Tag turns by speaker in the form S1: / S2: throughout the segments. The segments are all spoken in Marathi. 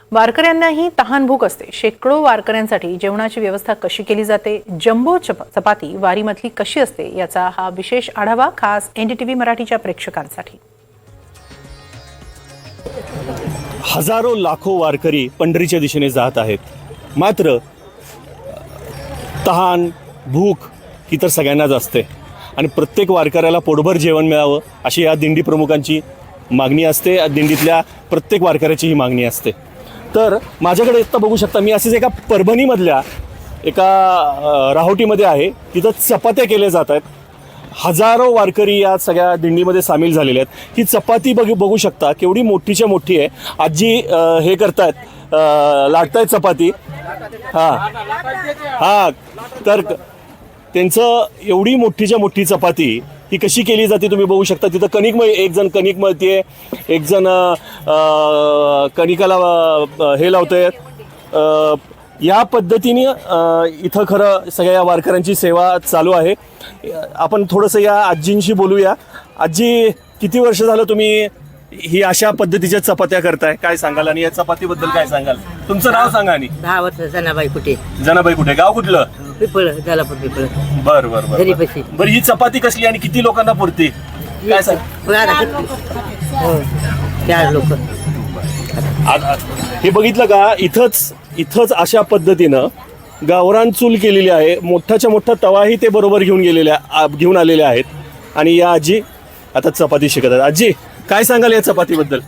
S1: वारकऱ्यांनाही तहानभूक असते। शेकडो वारकऱ्यांसाठी जेवणाची व्यवस्था कशी केली जाते, जम्बो चपाती वारीमधली कशी असते, याचा हा विशेष आढावा खास एनडीटीव्ही मराठीच्या प्रेक्षकांसाठी।
S2: हजारो लाखो वारकरी पंढरीच्या दिशेने जात आहेत, मात्र तहान भूक ही तर सगळ्यांनाच असते आणि प्रत्येक वारकऱ्याला पोटभर जेवण मिळावं अशी या दिंडी प्रमुखांची मागणी असते। या दिंडीतल्या प्रत्येक वारकऱ्याची ही मागणी असते। तर माझ्याकडे आता बघू शकता, मी असेच एका परभणीमधल्या एका राहोटीमध्ये आहे, तिथं चपात्या केल्या जात आहेत। हजारो वारकरी या सगळ्या दिंडीमध्ये सामील झालेले आहेत। ही चपाती बघू शकता केवढी मोठीच्या मोठी आहे। आजी हे करतायत, लाटतायत चपाती। हां तर त्यांचं एवढी मोठीच्या मोठी चपाती ही कशी केली जाते तुम्ही बघू शकता। तिथं एक जण कणिक मळते, एक जण कणिकाला हे लावतंय। या पद्धतीने इथं खरं सगळ्या वारकऱ्यांची सेवा चालू आहे। आपण थोडंसं या आजींशी बोलूया। आजी, किती वर्ष झालं तुम्ही ही अशा पद्धतीच्या चपात्या करताय, काय सांगाल आणि या चपातीबद्दल काय सांगाल? तुमचं नाव सांगा। आणि
S3: 10 वर्ष जनाबाई कुठे?
S2: जनाबाई कुठे, गाव कुठलं?
S3: पिपळ, जलापूर पिपळ।
S2: बरं बरं बरं बरं ही चपाती कसली आणि किती लोकांना पुरते काय सांग?
S3: 4 लोक।
S2: हे बघितलं का, इथंच अशा पद्धतीनं गावरान चूल केलेली आहे। मोठाच्या मोठा तवाही ते बरोबर घेऊन आलेले आहेत आणि या आजी आता चपाती शिकत आहेत। आजी, काय सांगाल या चपातीबद्दल?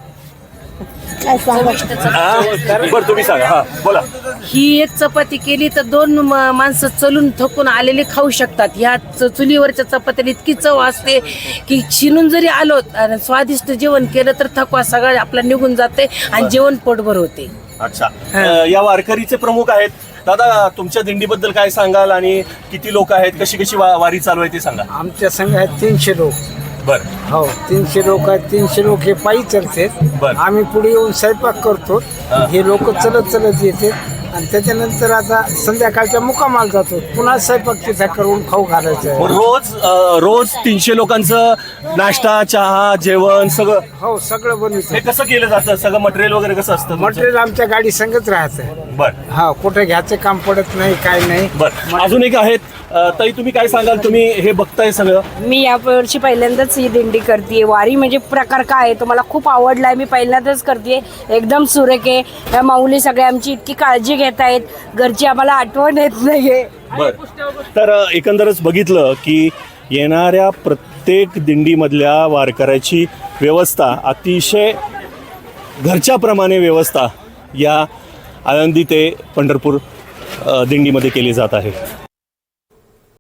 S2: बरं तुम्ही सांगा। हा बोला।
S4: ही एक चपाती केली तर 2 माणसं चलून थकून आलेले खाऊ शकतात। ह्या चुलीवरच्या चपात्याला इतकी चव असते की शिनून जरी आलो आणि स्वादिष्ट जेवण केलं तर थकवा सगळं आपला निघून जाते आणि जेवण पोटभर होते।
S2: अच्छा, या वारकरीचे प्रमुख आहेत। दादा, तुमच्या दिंडीबद्दल काय सांगाल आणि किती लोक आहेत, कशी वारी चालू आहे ते सांगा।
S5: आमच्या संघ आहेत 300 लोक।
S2: बरं,
S5: हो 300 लोक आहेत। 300 लोक हे पायी चलतात। आम्ही पुढे येऊन स्वयंपाक करतो, हे लोक चलत येते आणि त्याच्यानंतर आता संध्याकाळच्या मुक्कामाला जातो, पुन्हा स्वयंपाक तिथे करून खाऊ घालायचं।
S2: रोज 300 लोकांचं नाश्ता, चहा, जेवण सगळं?
S5: हो, सगळं बनवतो।
S2: हे कसं केलं जातं? सगळं मटेरियल वगैरे कसं असतं?
S5: मटेरियल आमच्या गाडी संगत राहतं।
S2: बरं,
S5: हा, कुठे घ्यायचं काम पडत नाही, काय नाही।
S2: बरं, अजून एक आहेत ताई, तुम्ही काय सांगाल? तुम्ही हे बघताय सगळं?
S6: मी यावर्षी पहिल्यांदाच ही दिंडी करते। वारी म्हणजे प्रकार काय आहे तो मला खूप आवडलाय। मी पहिल्यांदाच करते, एकदम सुरेख आहे। या माऊली सगळ्या आमची इतकी काळजी घेत आहेत, घरची आम्हाला आठवण येत नाहीये।
S2: बरं, तर एकंदरच बघितलं की येणाऱ्या प्रत्येक दिंडीमधल्या वारकऱ्याची व्यवस्था अतिशय घरच्याप्रमाणे व्यवस्था या आळंदी ते पंढरपूर दिंडीमध्ये केली जात आहे।